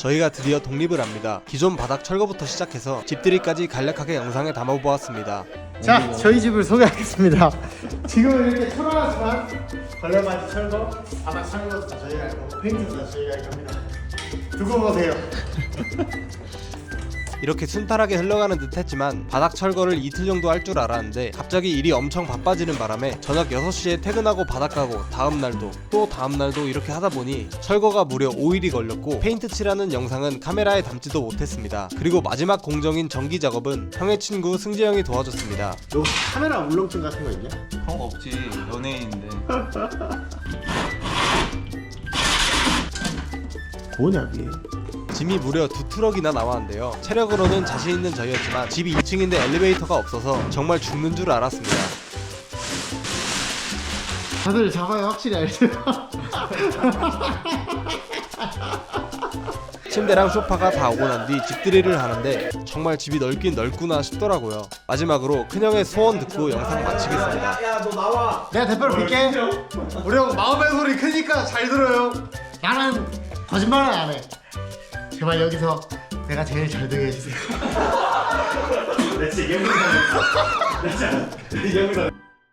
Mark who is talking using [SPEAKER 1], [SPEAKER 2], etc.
[SPEAKER 1] 저희가 드디어 독립을 합니다. 기존 바닥 철거부터 시작해서 집들이까지 간략하게 영상에 담아보았습니다.
[SPEAKER 2] 자, 저희 집을 소개하겠습니다. 지금은 이렇게 초라하지만 걸레바지 철거, 바닥 철거도 다 저희가 할 거고 페인트도 다 저희가 할 겁니다. 두고 보세요.
[SPEAKER 1] 이렇게 순탄하게 흘러가는 듯 했지만 바닥 철거를 이틀 정도 할 줄 알았는데 갑자기 일이 엄청 바빠지는 바람에 저녁 6시에 퇴근하고 바닥 가고 다음날도 또 다음날도 이렇게 하다 보니 철거가 무려 5일이 걸렸고 페인트 칠하는 영상은 카메라에 담지도 못했습니다. 그리고 마지막 공정인 전기 작업은 형의 친구 승재 형이 도와줬습니다.
[SPEAKER 2] 너 카메라 울렁증 같은 거 있냐?
[SPEAKER 3] 형 없지, 연예인인데.
[SPEAKER 2] 뭐냐 그게?
[SPEAKER 1] 짐이 무려 2트럭이나 나왔는데요. 체력으로는 자신 있는 저희였지만 집이 2층인데 엘리베이터가 없어서 정말 죽는 줄 알았습니다.
[SPEAKER 2] 다들 작아요 확실히 알죠?
[SPEAKER 1] 침대랑 소파가 다 오고 난 뒤 집들이를 하는데 정말 집이 넓긴 넓구나 싶더라고요. 마지막으로 큰형의 소원 듣고 영상 마치겠습니다.
[SPEAKER 2] 야 너 나와. 내가 대표로 빌게. 우리 형 마음의 소리 크니까 잘 들어요. 나는 거짓말은 안 해. 제발 여기서 내가 제일 잘 되게 해주세요. 내 진짜 이 영상